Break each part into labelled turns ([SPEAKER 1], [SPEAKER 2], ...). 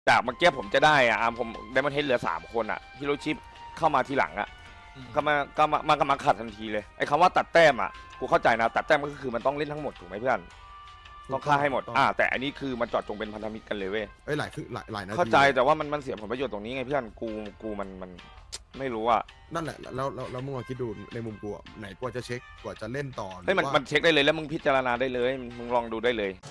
[SPEAKER 1] จากเมื่อกี้ผมจะได้อ่ะผมไดมอนเฮดเหลือ3 คนอ่ะฮิโรชิเข้ามาทีหลังอ่ะก็มาขัดทันทีเลยไอ้คำว่าตัดแต้มอ่ะกูเข้าใจนะตัดแต้มก็คือมันต้องเล่นทั้งหมดถูกไหมเพื่อนต้องฆ่าให้หมดแต่อันนี้คือมันเจาะจงเป็นพันธมิตรกันเลยเว้ย
[SPEAKER 2] หลายคือหลายนาที
[SPEAKER 1] เข้าใจแต่ว่ามันเสียผลประโยชน์ตรงนี้ไงเพื่อนกูมันไม่รู้อ่ะ
[SPEAKER 2] นั่นแหละแล้วมึงลองคิดดูในมุมกูอะไหนกว่าจะเช็คกว่าจะเล่นต่อ
[SPEAKER 1] เฮ้ยมันเช็คได้เลยแล้วมึงพิจารณาได้เลยมึงลองดูได้เลย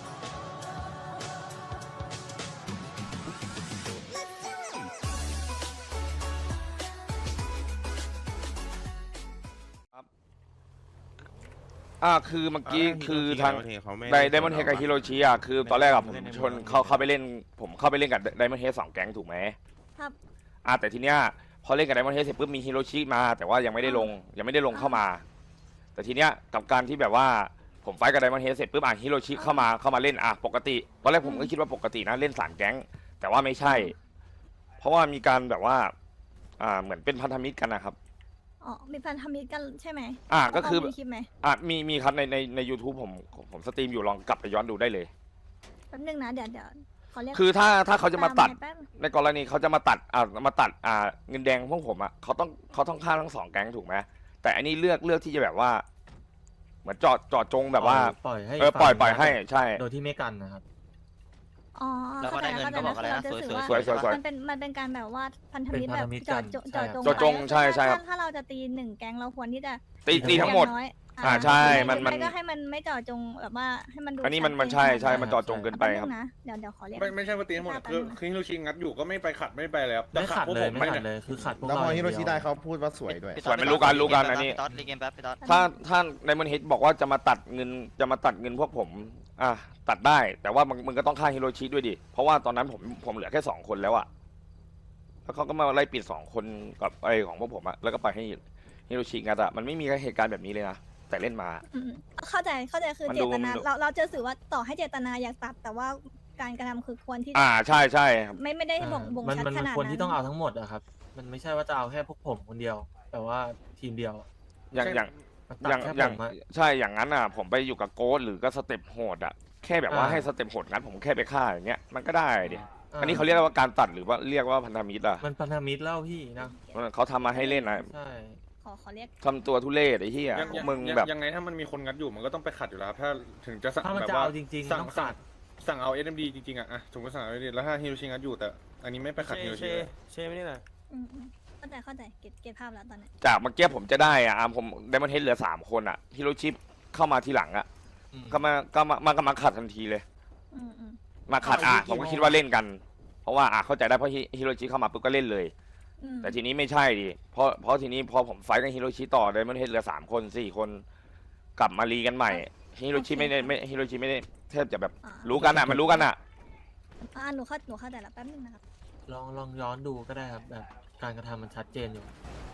[SPEAKER 1] คือเมื่อกี้คือทางไดมอนเฮดกับฮิโรชิอ่ะคือตอนแรกอะผมชนเข้าไปเล่นผมเข้าไปเล่นกับไดมอนเฮด2 แก๊งถูกไหม
[SPEAKER 3] ครับ
[SPEAKER 1] แต่ทีเนี้ยพอเล่นกับไดมอนเฮดเสร็จปุ๊บมีฮิโรชิมาแต่ว่ายังไม่ได้ลงเข้ามาแต่ทีเนี้ยกับการที่แบบว่าผมไฟกับไดมอนเฮดเสร็จปุ๊บฮิโรชิเข้ามาเล่นปกติตอนแรกผมก็คิดว่าปกตินะเล่น3 แก๊งแต่ว่าไม่ใช่ เพราะว่ามีการแบบว่าเหมือนเป็นพันธมิตรกันนะครับ
[SPEAKER 3] อ๋อมีพันธมิตรกันใช่ไหม
[SPEAKER 1] ก็คือ
[SPEAKER 3] มีคลิปไหม
[SPEAKER 1] มีครับใน YouTube ผมสตรีมอยู่ลองกลับไปย้อนดูได้เลย
[SPEAKER 3] แป๊บนึงนะเดี๋ยวขอเรียก
[SPEAKER 1] คือถ้าเขาจะมาตัดในกรณีเขาจะมาตัดเงินแดงพวกผมเขาต้องฆ่าทั้ง2 แก๊งถูกไหมแต่อันนี้เลือกที่จะแบบว่าเหมือนเจาะจงแบบว่า
[SPEAKER 4] ปล่อยให้
[SPEAKER 1] ปล่อยให้ใช่
[SPEAKER 4] โดยที่ไม่กันนะครับ
[SPEAKER 3] อ๋อ
[SPEAKER 5] แล้วก็ได้เงินก็บอกอะไรนะ
[SPEAKER 1] สวย
[SPEAKER 3] มันเป็นการแบบว่าพันธมิตรแบบเจาะ
[SPEAKER 1] จงใช่ครับ
[SPEAKER 3] ถ้าเราจะตี1 แก๊งเราควรที่จะ
[SPEAKER 1] ตีทั้งหมดใช่มัน
[SPEAKER 3] ก็ให้มันไม่เจาะจงแบบว่าให้มันดู
[SPEAKER 1] อันนี้มันใช่มันเจาะจงเกินไปครับ
[SPEAKER 3] เดี๋ยวขอเรียก
[SPEAKER 6] ไม่ใช่ว่าตีทั้งหมดคือฮิโรชิงัดอยู่ก็ไม่ไปขัดไม่ไปเลยครับ
[SPEAKER 4] ไม่ขัดเลยคือขัดพวกเรา
[SPEAKER 2] แล้วพอฮิโรชิได้เขาพูดว่าสวยด้วย
[SPEAKER 1] สวยไม่รู้กันอันนี้ถ้าไดมอนเฮดบอกว่าจะมาตัดเงินพวกผมตัดได้แต่ว่ามึงก็ต้องฆ่าฮิโรชิด้วยดิเพราะว่าตอนนั้นผมเหลือแค่2 คนแล้วอะแล้วเขาก็มาไล่ปิด2 คนกับไอของพวกผมแล้วก็ไปให้ฮิโรชิงัดมันไม่มีเหตุการณ์แบบนี้เลยนะแต่เล่นมา
[SPEAKER 3] เข้าใจคือเจตนาเราจะสื่อว่าต่อให้เจตนาอยากตัดแต่ว่าการกระทำคือควรที่
[SPEAKER 1] ใช่
[SPEAKER 3] ไม่ได้บ่งชัดขนาดนั้น
[SPEAKER 4] มันควรที่ต้องเอาทั้งหมดอะครับมันไม่ใช่ว่าจะเอาแค่พวกผมคนเดียวแต่ว่าทีมเดียว
[SPEAKER 1] อย่างใช่อย่างนั้นผมไปอยู่กับโกสหรือก็สเต็ปโหดแค่แบบว่าให้สเต็ปโหดงั้นผมแค่ไปฆ่าอย่างเงี้ยมันก็ได้ดิอันนี้เขาเรียกว่าการตัดหรือว่าเรียกว่าพันธมิตร
[SPEAKER 4] มันพันธมิตรเล่าพี่นะ
[SPEAKER 1] เขาทำมาให้เล่นนะ
[SPEAKER 4] ใช่
[SPEAKER 3] ขอเรียก
[SPEAKER 1] ทำตัวทุเรศไอ้เหี้ยมึงแบบ
[SPEAKER 6] ยังไงถ้ามันมีคนงัดอยู่มันก็ต้องไปขัดอยู่แล้วถ้าถึงจะสั่ง
[SPEAKER 4] แบบว่าจริงๆ
[SPEAKER 6] สั่งเอา SMD จริงๆสมมติสั่งเอา SMD แล้วถ้าฮิโรชิงัดอยู่แต่อันนี้ไม่ไปขัดฮิโรชิ
[SPEAKER 5] เช่ไม่ได้เลย
[SPEAKER 3] เข้าใจเก็บภาพแล้วตอนนี้
[SPEAKER 1] จากเมื่อกี้ผมจะได้ผมไดมอนเฮดเหลือ3 คนฮิโรชิเข้ามาทีหลังก็มาขัดทันทีเลยมาขัดผมก็คิดว่าเล่นกันเพราะว่าเข้าใจได้เพราะฮิโรชิเข้ามาปุ๊บก็เล่นเลยแต่ทีนี้ไม่ใช่ดิเพราะทีนี้พอผมไฟกับฮิโรชิต่อไดมอนเฮดเหลือ3 คน4 คนกลับมารีกันใหม่ฮิโรชิไม่ได้แทบจะแบบรู้กันมันรู้กัน
[SPEAKER 3] หนูเข้าใจแล้วแป๊บนึงนะครับ
[SPEAKER 4] ลองย้อนดูก็ได้ครับแบบการกระทำมันชัดเจนอยู่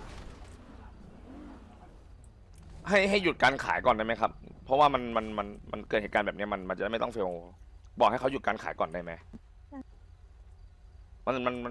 [SPEAKER 1] ให้หยุดการขายก่อนได้ไหมครับเพราะว่ามันเกิดเหตุการณ์แบบนี้มันจะไม่ต้องเฟลบอกให้เขาหยุดการขายก่อนได้ไหมมัน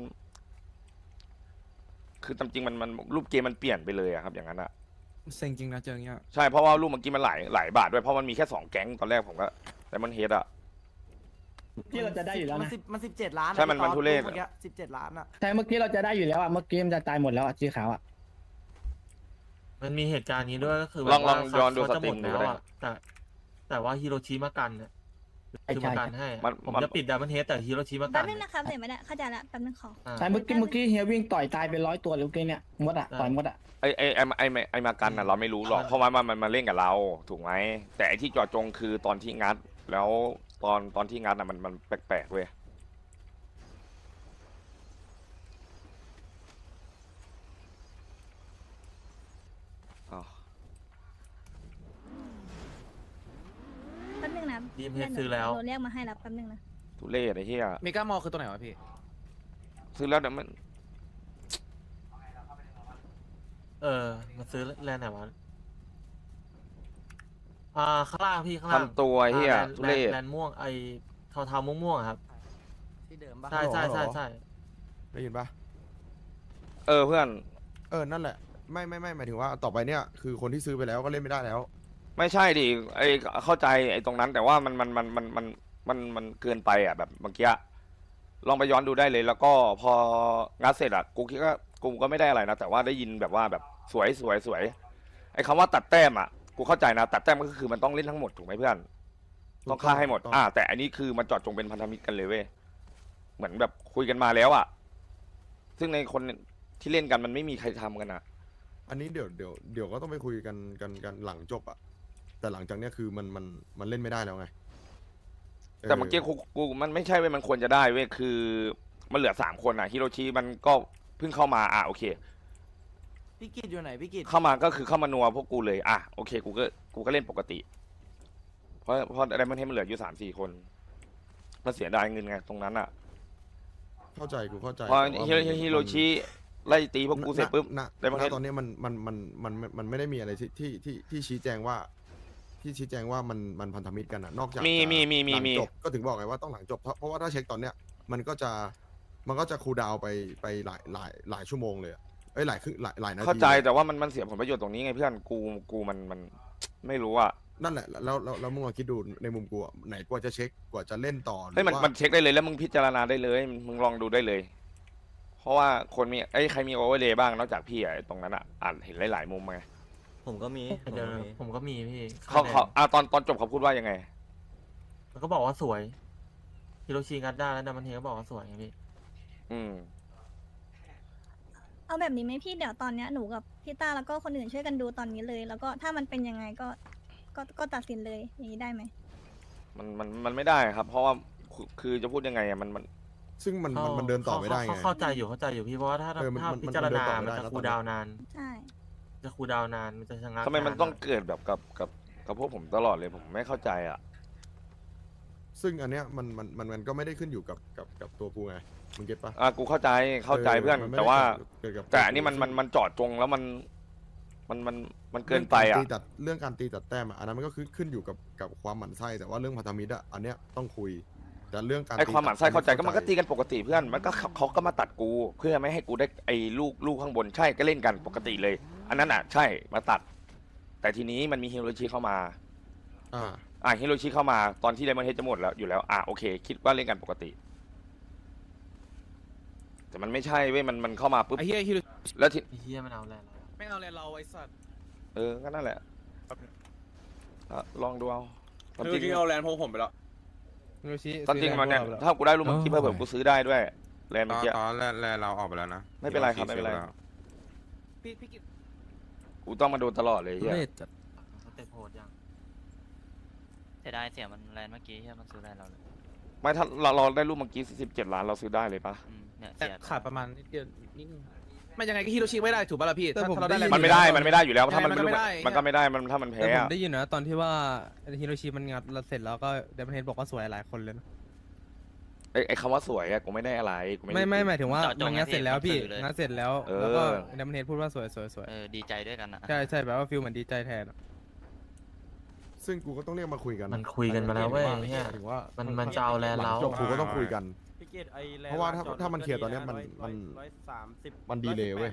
[SPEAKER 1] คือจริงมันรูปเกมมันเปลี่ยนไปเลยครับอย่างนั้น
[SPEAKER 7] เซ็งจริงนะเจออย่างเงี้ย
[SPEAKER 1] ใช่เพราะว่ารูปเมื่อกี้มันหลายบาทด้วยเพราะมันมีแค่2 แก๊งตอนแรกผมก็แต่มันเฮด
[SPEAKER 8] ที่เราจะได้อยู่แล้วนะ
[SPEAKER 5] มัน17 ล้าน
[SPEAKER 1] ใช่มันทุเรศ
[SPEAKER 5] 17 ล้าน
[SPEAKER 8] ใช่เมื่อกี้เราจะได้อยู่แล้วเมื่อกี้มันจะตายหมดแล้วชื่อเขา
[SPEAKER 4] มันมีเหตุการณ์นี้ด้วยก็คือ
[SPEAKER 1] ลองย้อนดูสตรีม
[SPEAKER 4] แล้วแต่ว่าฮิโรชิมากันเนี่ยคือมากันให้ผมจะปิดดับเบิลเฮดแต่ฮิโรชิมากัน
[SPEAKER 3] แป๊บนึงนะครับเดี๋ยวไม่ได้เข้าใจแล้วแป๊บนึงขอ
[SPEAKER 8] ใช่เมื่อกี้เฮียวิ่งต่อยตายไป100 ตัวหรือไงเนี่ยมดต่อยมด
[SPEAKER 1] ไอมากันเราไม่รู้หรอกเพราะว่ามันมาเล่นกับเราถูกไหมแต่ไอที่เจาะจงคือตอนที่งัดแล้วตอนที่งัดมันแปลกๆเว้ย
[SPEAKER 3] แป๊บนึงนะ
[SPEAKER 4] ดีมเฮดซื้อแล้ว
[SPEAKER 3] เรียกมาให้แล้วแป๊บนึงนะ
[SPEAKER 1] ทุเรศไอ้เหี้ย
[SPEAKER 5] เมกามอลคือตัวไหนวะพี่
[SPEAKER 1] ซื้อแล้วแต่มัน
[SPEAKER 4] มาซื้อแลนด์ไหนวะข้างล่างพี่ข้างล่าง
[SPEAKER 1] ทำตัวเหี้ยทุเรศ
[SPEAKER 4] แลนด์ม่วงไอเทาม่วงครับ
[SPEAKER 5] ที่เดิมปะ
[SPEAKER 4] ใช่
[SPEAKER 2] ได้ยินปะ
[SPEAKER 1] เพื่อน
[SPEAKER 2] นั่นแหละไม่หมายถึงว่าต่อไปเนี่ยคือคนที่ซื้อไปแล้วก็เล่นไม่ได้แล้ว
[SPEAKER 1] ไม่ใช่ดิเข้าใจไอ้ตรงนั้นแต่ว่ามันเกินไปแบบเมื่อกี้ลองไปย้อนดูได้เลย แล้วก็พองัดเสร็จอะกูคิดว่ากูก็ไม่ได้อะไรนะแต่ว่าได้ยินแบบว่าแบบสวยสวยสวยไอ้คำว่าตัดแต้มอะกูเข้าใจนะตัดแต้มก็คือมันต้องเล่นทั้งหมดถูกไหมเพื่อนต้องฆ่าให้หมดแต่อันนี้คือมันเจาะจงเป็นพันธมิตรกันเลยเว้ยเหมือนแบบคุยกันมาแล้วอะซึ่งในคนที่เล่นกันมันไม่มีใครทำกันอะ
[SPEAKER 2] อันนี้เดี๋ยวก็ต้องไปคุยกันหลังจบอะแต่หลังจากเนี้ยคือมันเล่นไม่ได้แล้วไง
[SPEAKER 1] แต่เมื่อกี้กูมันไม่ใช่เว้ยมันควรจะได้เว้ยคือมันเหลือ3 คนอะฮิโรชิมันก็เพิ่งเข้ามาโอเค
[SPEAKER 5] พี่กิจอยู่ไหนพี่กิจ
[SPEAKER 1] เข้ามาก็คือเข้ามานัวพวกกูเลยโอเคกูก็เล่นปกติ เพราะอะไรมันให้มันเหลืออยู่3-4 คนมันเสียดายเงินไงตรงนั้นอะ
[SPEAKER 2] เข้าใจกูเข้าใจ
[SPEAKER 1] พอ
[SPEAKER 2] แต่ว่ามัน
[SPEAKER 1] ฮิโรชิไล่ตีพวกกูเสร็จปุ๊บ
[SPEAKER 2] ณ
[SPEAKER 1] ได้ประเทศ
[SPEAKER 2] ตอนนี้มันไม่ได้มีอะไรที่ชี้แจงว่ามันพันธมิตรกันอะนอกจาก
[SPEAKER 1] มี
[SPEAKER 2] หลังจบก็ถึงบอกไงว่าต้องหลังจบเพราะว่าถ้าเช็คตอนเนี้ยมันก็จะคูลดาวน์ไปหลายชั่วโมงเลยอะหลายครึ่งหลายนาที
[SPEAKER 1] เข้าใจแต่ว่ามันเสียผลประโยชน์ตรงนี้ไงเพื่อนกูมันไม่รู้อะ
[SPEAKER 2] นั่นแหละแล้วมึงลองคิดดูในมุมกูอะไหนกว่าจะเช็คกว่าจะเล่นต่อหรือ
[SPEAKER 1] เฮ้ยมัน
[SPEAKER 2] ว่า
[SPEAKER 1] มันเช็คได้เลยแล้วมึงพิจารณาได้เลยมึงลองดูได้เลย เพราะว่าคนมีใครมีโอเวอร์เลย์บ้างนอกจากพี่ตรงนั้นอะเห็นหลายๆมุมไง
[SPEAKER 5] ผมก็มี
[SPEAKER 4] เดี๋ยวผมก็มีพี่
[SPEAKER 1] เขาตอนจบเขาพูดว่ายังไง
[SPEAKER 4] มันก็บอกว่าสวยฮิโรชิงัดได้แล้วดัมเบลเฮดก็บอกว่าสวยไงพี่
[SPEAKER 1] อืม
[SPEAKER 3] เอาแบบนี้ไหมพี่เดี๋ยวตอนเนี้ยหนูกับพี่ต้าแล้วก็คนอื่นช่วยกันดูตอนนี้เลย แล้วก็ถ้ามันเป็นยังไงก็ตัดสินเลยอย่างนี้ได้ไหม
[SPEAKER 1] มันไม่ได้ครับ เพราะว่าคือจะพูดยังไงอะมัน
[SPEAKER 2] ซึ่งมันเดินต่อไม่ได้ไง
[SPEAKER 4] เข้าใจอยู่พี่เพราะว่าถ้า
[SPEAKER 2] มัน
[SPEAKER 4] พิจารณา
[SPEAKER 2] มันเดินต่อไม่
[SPEAKER 4] มัน
[SPEAKER 2] ได้
[SPEAKER 4] จะ
[SPEAKER 2] แล้ว
[SPEAKER 4] คูลดาวน์นาน
[SPEAKER 3] ใช่
[SPEAKER 4] จะคูลดาวน์นานมันจะชะงัก
[SPEAKER 1] ทำไมมันต้อง
[SPEAKER 4] า
[SPEAKER 1] เกิดแบบกับพวกผมตลอดเลยผมไม่เข้าใจอะ
[SPEAKER 2] ซึ่งอันเนี้ยมันก็ไม่ได้ขึ้นอยู่กับตัวกูไงมึงเก็ตปะ
[SPEAKER 1] กูเข้าใจเพื่อน
[SPEAKER 2] มัไม่
[SPEAKER 1] แต่
[SPEAKER 2] ได้
[SPEAKER 1] ว่า
[SPEAKER 2] เกิดกับ
[SPEAKER 1] แต่อันนี้มันเจาะจงแล้วมันเกินไปอะ
[SPEAKER 2] เรื่องการตีตัดแต้มอะอันนั้นมันก็ขึ้นอยู่กับความหมั่นไส้แต่ว่าเรื่องพันธมิตรอะอันเนี้ยต้องคุยแต่เรื่องการ
[SPEAKER 1] ไอ้ความหมั่นไส้เข้าใจก็มันก็ตี
[SPEAKER 2] กัน
[SPEAKER 1] กันปกติเพื่อนมันก็เขาก็มาตัดกู เพื่อไม่ให้กูได้ไอ้ลูกข้างบนใช่ก็เล่นกันปกติเลย อันนั้นอ่ะใช่มาตัด แต่ทีนี้มันมีฮิโรชิเข้ามาฮิโรชิเข้ามาตอนที่ไดมอนด์เฮดจะหมดแล้วอยู่แล้วโอเค คิดว่าเล่นกันปกติ แต่มันไม่ใช่เว้ยมันเข้ามาปุ๊บ
[SPEAKER 7] ไอ้เหี้ยฮิโร
[SPEAKER 1] แล้วที
[SPEAKER 4] ไอ้เฮียมันเอาแล้ว
[SPEAKER 7] ไม่เอาเลยเราไอ้สัตว์
[SPEAKER 1] ก็นั่นแหละลองดูเอาตอน
[SPEAKER 6] คือ
[SPEAKER 1] จริง
[SPEAKER 6] ที่เอาแลนด์พวกผมไปแล้ว
[SPEAKER 7] ฮิโรชิ
[SPEAKER 1] ตอนจริงมันเนี่ยถ้ากูได้รูปเมื่อกี้เพิ่มกูซื้อได้ด้วยแลนด์
[SPEAKER 9] ต
[SPEAKER 1] เมื่อ
[SPEAKER 9] อน
[SPEAKER 1] กี้
[SPEAKER 9] แรกเราออกไปแล้วนะ
[SPEAKER 1] ไม่เป็นไรครับไม่เป็นไร
[SPEAKER 7] พี่กิจ
[SPEAKER 1] กูต้องมาโดนตลอดเลยเฮีย
[SPEAKER 7] เล่จัด
[SPEAKER 4] เขาเตะโหดยัง
[SPEAKER 10] เสียดายเสียมันแลนด์เมื่อกี้ที่มันซื้อแลนด์เราเลย
[SPEAKER 1] ไม่ถ้าเราได้รูปเมื่อกี้17 ล้านเราซื้อได้เลยปะ
[SPEAKER 10] เนี่ย
[SPEAKER 7] แต่
[SPEAKER 10] เสีย
[SPEAKER 7] ขาดประมาณนิดเดียวนิดนึงไม่ยังไงก็ฮิโรชิไม่ได้ถูกป่ะล่ะพี่ถ้าเราได้
[SPEAKER 1] มันไม่ได้อยู่แล้วถ้ามัน
[SPEAKER 7] ยังไงมันก็ไม่ได้
[SPEAKER 1] มันก็ไม่ได้ถ้ามัน
[SPEAKER 7] แต่
[SPEAKER 1] แพ้
[SPEAKER 7] ผม
[SPEAKER 1] อะ
[SPEAKER 7] ได้ยินนะตอนที่ว่าฮิโรชิมันงัดเสร็จแล้วก็เดมอนเฮดบอกว่าสวยหลายคนเลยนะ
[SPEAKER 1] ไอ้คำว่าสวยอะกูไม่ได้อะไรกู
[SPEAKER 7] ไม่หมายถึงว่ามันงัดเสร็จแล้วพี่งัดเสร็จแล้วแล้วก็เดมอนเฮดพูดว่าสวย
[SPEAKER 10] ดีใจด้วยกันนะ
[SPEAKER 7] ใช่แบบว่าฟิลเหมือนดีใจแทน
[SPEAKER 2] ซึ่งกูก็ต้องเรียกมาคุยกัน
[SPEAKER 4] มันคุยกันมาแล้วเว้ยเนี่ย
[SPEAKER 2] ถึงว่า
[SPEAKER 4] มันจะเอาแลนด์
[SPEAKER 2] หลั
[SPEAKER 4] เรา
[SPEAKER 2] งจบกูก็ต้องคุยกัน
[SPEAKER 5] พี่กิจไอแลนด์
[SPEAKER 2] เพราะว่าถ้ามันเคลียร์ตอนเนี้ยมัน
[SPEAKER 5] 130
[SPEAKER 2] มันดีเลยเว้ย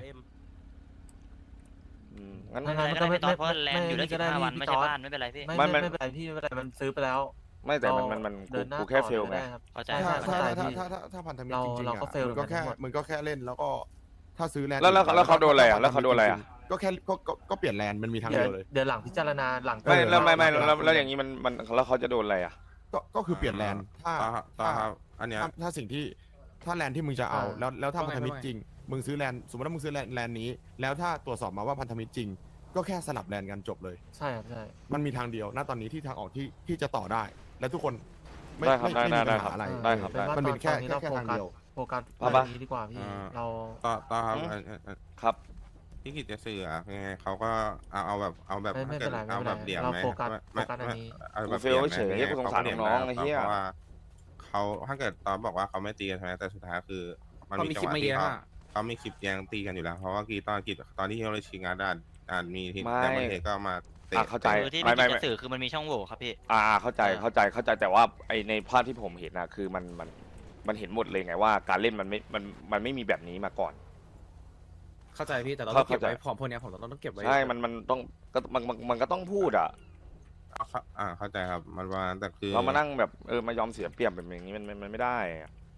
[SPEAKER 1] งั้น
[SPEAKER 10] ไม่เป็นไรก็ได้ไม่ต้องเพราะแลนด์อยู่ได้15 วันไม่ใช่บ้านไม่เป็นไรพี่
[SPEAKER 4] ไม่เป็นไรพี่ไม่เป็นไรมันซื้อไปแล้ว
[SPEAKER 1] ไม่แต่มัน
[SPEAKER 4] เดินหน้า
[SPEAKER 1] กูแค่เฟลไง
[SPEAKER 10] เข้าใจ
[SPEAKER 2] ถ้าพันธมิตรจริงๆ
[SPEAKER 4] เราก็ fail
[SPEAKER 2] มันก็แค่
[SPEAKER 4] เหมือนกัน
[SPEAKER 2] มันก็แค่เล่นแล้วก็ถ้าซื้อแลนด์
[SPEAKER 1] แล้วเขาโดนอะไรอะแล้วเขาโดนอะไรอะ
[SPEAKER 2] ก็แค่ก็เปลี่ยนแลนด์มันมีทางเดียวเลย
[SPEAKER 4] เดี๋ยวหลังพิจารณาหลัง
[SPEAKER 1] ไม่แล้วอย่างนี้มันแล้วเขาจะโดนอะไรอะ
[SPEAKER 2] ก็คือเปลี่ยนแลนด์ถ้า
[SPEAKER 9] ต่อครับอันเนี้ย
[SPEAKER 2] ถ้าสิ่งที่ถ้าแลนด์ที่มึงจะเอาแล้วถ้าพันธมิตรจริงมึงซื้อแลนด์สมมติว่ามึงซื้อแลนด์นี้ แล้วถ้าตรวจสอบมาว่าพันธมิตรจริง ก็แค่สลับแลนด์กันจบเลย
[SPEAKER 4] ใช่ครับใช่
[SPEAKER 2] มันมีทางเดียวณตอนนี้ที่ทางออกที่จะต่อได้ และทุกคนไม่
[SPEAKER 1] ได้ครับ
[SPEAKER 2] ไม่มี
[SPEAKER 1] ได้
[SPEAKER 2] ปัญ
[SPEAKER 1] ครับ
[SPEAKER 2] หาอะไร
[SPEAKER 1] ได้ครับได้
[SPEAKER 2] มันเป็นแค่
[SPEAKER 4] ตอรา
[SPEAKER 2] ทางเดียว
[SPEAKER 4] โฟกัส
[SPEAKER 1] เอาปะ
[SPEAKER 4] เรื่องนี้ดีกว่าพี่ เรา
[SPEAKER 9] ต่อครับ
[SPEAKER 1] ครับ
[SPEAKER 9] พี่กิจจะสื่ออะยังไงเขาก็เอาแบบ
[SPEAKER 4] ไม่เป็นไร
[SPEAKER 9] เอาแบบเดี่ยว
[SPEAKER 4] เรา
[SPEAKER 9] ไหม
[SPEAKER 4] โฟกัสอันนี้
[SPEAKER 9] เอาแบบ
[SPEAKER 1] กูเฟลเฉยๆกูสงสารน้องๆไอ้เหี้ย
[SPEAKER 9] เพราะว่าเขาถ้าเกิดตอนบอกว่าเขาไม่ตีกันใช่ไหมแต่สุดท้ายคือมันมีจังหวะที่เขามีคลิปแย่งตีกันอยู่แล้ว เพราะว่าตอนที่ฮิโรชิงาดานมีที่แต่มันเทก็มาเตะ
[SPEAKER 1] เข้าใจ
[SPEAKER 10] คือที่พี่จะสื่อคือมันมีช่องโหว่ครับพี่
[SPEAKER 1] เข้าใจแต่ว่าไอในภาพที่ผมเห็นนะคือมันเห็นหมดเลยไงว่าการเล่นมันไม่มีแบบนี้มาก่อน
[SPEAKER 7] เข้าใจพี่แต่เราต้องเก็บไว้ของพวกนี้ผมต้องเก็บไว้
[SPEAKER 1] ใช่มันต้องมันก็ต้องพูดอ่ะ
[SPEAKER 9] เข้าใจครับมันว่าแต่คือ
[SPEAKER 1] เรามานั่งแบบมายอมเสียเปรียบแบบอย่างนี้มันไม่ได้อะ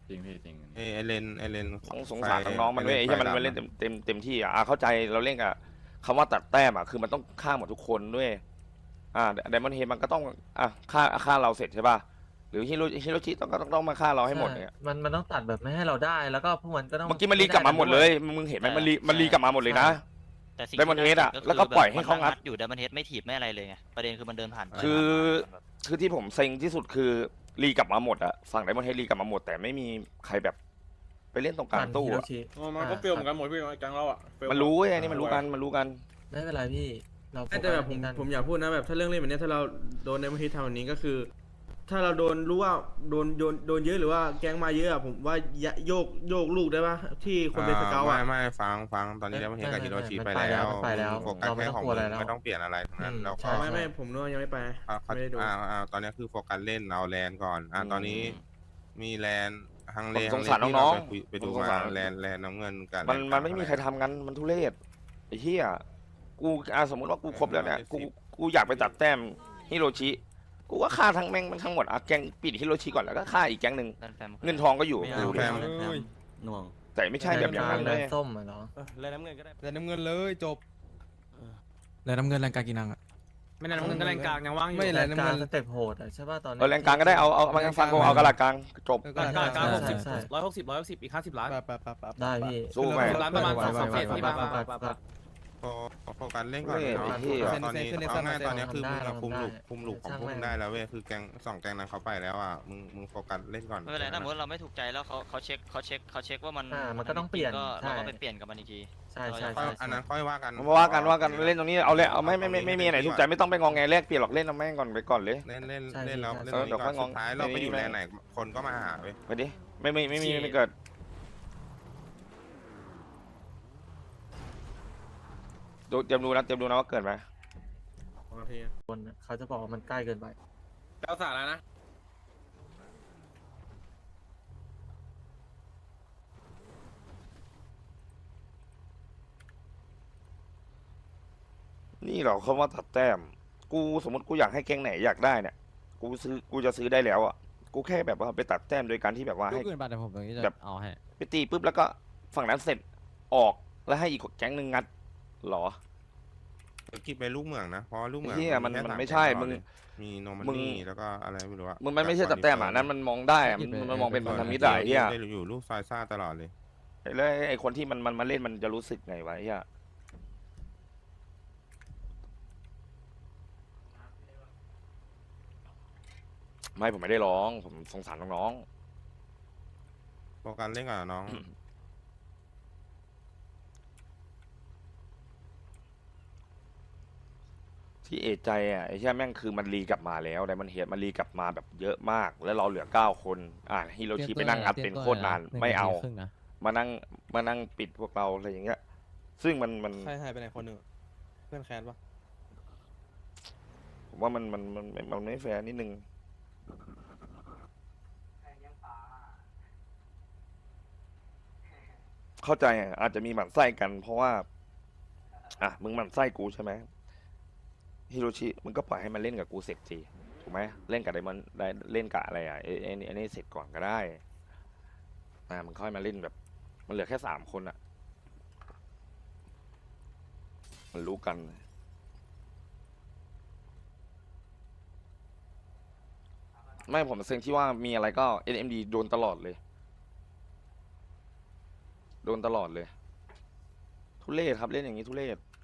[SPEAKER 11] จริงพี่จริง
[SPEAKER 9] ไอเลน
[SPEAKER 1] ต้องสงสารน้องๆมันด้วยไอ้ที่มันเล่นเต็มที่เข้าใจเราเล่นกับคำว่าตัดแต้มคือมันต้องฆ่าหมดทุกคนด้วยไดมอนด์เฮดมันก็ต้องฆ่าเราเสร็จใช่ป่ะหรือฮิโรชิต้องมาฆ่าเราให้หมดเนี่ย
[SPEAKER 4] มันต้องตัดแบบไม่ให้เราได้แล้วก็พวกมันก็ต้อง
[SPEAKER 1] เมื่อกี้มันรีกลับมาหมดเลยมึงเห็นไหมมันรีกลับมาหมดเลยนะ
[SPEAKER 10] แต่สิ่ง
[SPEAKER 1] Diamond
[SPEAKER 10] ที่
[SPEAKER 1] Head อะ
[SPEAKER 10] น่าสน
[SPEAKER 1] แล้วก็ปล่อยให้เขางัด
[SPEAKER 10] อยู่ Diamond Head ไม่ถีบไม่อะไรเลยไงประเด็นคือมันเดินผ่านไป
[SPEAKER 1] คือที่ผมเซ็งที่สุดคือรีกลับมาหมดอะฝั่งไดมอนด์เฮดรีกลับมาหมดแต่ไม่มีใครแบบไปเล่นตรงกลางตู้
[SPEAKER 4] ฮิโร
[SPEAKER 1] อะ
[SPEAKER 4] ชิ
[SPEAKER 6] มันก็เฟลเหมือนกันหมดพี่แก๊งเราอ่ะ
[SPEAKER 1] มันรู้ไอ้นี่มันรู้กัน
[SPEAKER 4] ไม่เป็นไรพี่เรา
[SPEAKER 5] แต่แบบผมอยากพูดนะแบบถ้าเรื่องเล่นแบบนี้ถ้าเราโดนในบางทีทำแบบนี้ก็คือ ถ้าเราโดนรู้ว่าโดนเยอะหรือว่าแก๊งมาเยอะอะผมว่าโยกลูกได้ปะที่คนเป็นสเกลอะ
[SPEAKER 9] ไม่ฟังตอนนี้แล้วมันเห็นกับฮิโรชิไปแล้วโฟกัสแค่ของมึงไม่ต้องเปลี่ยนอะไรทั้งนั้นแล้วก็
[SPEAKER 5] ไม่ผมนึกว่ายังไม่ไปไม่ได้ดู
[SPEAKER 9] ตอนนี้คือโฟกัสเล่นเอาแลนก่อนตอนนี้มีแลนฮังเล
[SPEAKER 1] ผมสงสารน้อง
[SPEAKER 9] ไปดูมาแลนน้ำเงินกัน
[SPEAKER 1] มันไม่มีใครทำกันมันทุเรศไอ้เหี้ยกูสมมติว่ากูครบแล้วเนี่ยกูอยากไปตัดแต้มฮิโรชิกูก็ฆ่าทั้งแม่งทั้งหมดแก๊งปิดฮิโรชิก่อนแล้วก็ฆ่าอีกแก๊งหนึ่งเงินทองก็อยู่
[SPEAKER 9] แฟม
[SPEAKER 5] หน่วง
[SPEAKER 1] แต่ไม่ใช่แบบอย่างนั้นเลย
[SPEAKER 4] ส้มเหรอ
[SPEAKER 5] เลยน้ำเงินก็ได้
[SPEAKER 7] แลนน้ำเงินเลยจบ
[SPEAKER 11] แล้วน้ำเงินแรงกากินังอ่ะ
[SPEAKER 5] ไม่น้ำเงินก็แรงกลางยังว่างอยู่
[SPEAKER 7] ไม่แลนน้ำเงิน
[SPEAKER 4] สเต็ปโหดใช่ป่ะตอนนี้
[SPEAKER 1] แรงกลางก็ได้เอามาฟังกูเอากระดาษกลางจบ
[SPEAKER 5] กลาง60
[SPEAKER 4] ใช่
[SPEAKER 5] 160อีก50ล้าน
[SPEAKER 4] ได้พี่
[SPEAKER 1] สู้ไหม
[SPEAKER 5] ล้านประมาณ2 เฟสที่มา
[SPEAKER 9] โฟกัสเล่นก่อนตอนนี้เอาง่ายตอนนี้คือมึงคุมหลุกของพวกมึงได้แล้วเว้ยคือแกง2แกงนั้นเขาไปแล้วอ่ะมึงโฟกัสเล่นก่อน
[SPEAKER 10] ไม่เป็นไรถ้าสมมติเราไม่ถูกใจแล้วเขาเช็คว่ามัน
[SPEAKER 4] มันก็ต้องเปลี่ยน
[SPEAKER 10] เราก็ไปเปลี่ยนกับมันอีกที
[SPEAKER 4] ใช่
[SPEAKER 9] อันนั้นค่อยว่ากัน
[SPEAKER 1] ว่ากันเล่นตรงนี้เอาเลยเอาไม่มีไหนถูกใจไม่ต้องไปงองแงแลกเปลี่ยนหรอกเล่นเอาแม่งก่อนไปก่อนเลย
[SPEAKER 9] เล่นแล้วเล่นสุดท้ายเราไปอยู่แลนไหนคนก็มาหาเว้ย
[SPEAKER 1] ไปดิไม่เกิดเตรียมดูนะว่าเกิดไหม
[SPEAKER 4] คนเขาจะบอกว่ามันใกล้เกินไป
[SPEAKER 6] แล้วสาระนะ
[SPEAKER 1] นี่เหรอเขาว่าตัดแต้มกูสมมติกูอยากให้แก๊งไหนอยากได้เนี่ยกูจะซื้อได้แล้วอ่ะกูแค่แบบว่าไปตัดแต้มโดยการที่แบบว่าให้
[SPEAKER 11] เกินบัตรผมตรงนี้จะ
[SPEAKER 1] แบบ
[SPEAKER 11] เอาให้
[SPEAKER 1] ไปตีปุ๊บแล้วก็ฝั่งนั้นเสร็จออกแล้วให้อีกแก๊งหนึ่งงัดเหรอ
[SPEAKER 9] คิดไปลูกเมืองนะเพราะลูกเมือง
[SPEAKER 1] เหี้ยมันไม่ใช่มึง
[SPEAKER 9] มีโนมันนี่แล้วก็อะไรไม่รู้อะ
[SPEAKER 1] มึงมันไม่ใช่ตัดแต้มอ่ะนั้นมันมองได้อะมันมองเป็นพันธมิตรอะไอ้เหี้ย
[SPEAKER 9] ได้อยู่ลูกซอยซ่าตลอดเลย
[SPEAKER 1] แล้วไอ้คนที่มันมาเล่นมันจะรู้สึกไงวะไอ้เหี้ยไม่ผมไม่ได้ร้องผมสงสารน้อง
[SPEAKER 9] โฟกัสเล่นก่อนน้อง
[SPEAKER 1] ๆที่เอะใจอ่ะไอ้เหี้ยแม่งคือมันรีกลับมาแล้วแต่มันเห็นมันรีกลับมาแบบเยอะมากแล้วเราเหลือ9 คนฮิโรชิไปนั่งอัดเป็นโคตรนานไม่เอามานั่งปิดพวกเราอะไรอย่างเงี้ยซึ่งมัน
[SPEAKER 7] ใครหายไปไหนคนหนึ่งเพื่อนแคนปะ
[SPEAKER 1] ผมว่ามันไม่แฟร์นิดนึงเข้าใจอ่ะอาจจะมีหมั่นไส้กัน เพราะว่ามึงหมั่นไส้กูใช่ไหมฮิโรชิมึงก็ปล่อยให้มันเล่นกับกูเสร็จสิถูกไหมเล่นกับไดมอนได้เล่นกับอะไรไอ้นี่เสร็จก่อนก็ได้มึงค่อยมาเล่นแบบมันเหลือแค่3 คนอะมันรู้กันไม่ผมเซ็งที่ว่ามีอะไรก็ NMD โดนตลอดเลยทุเรศครับเล่นอย่างนี้ทุเรศ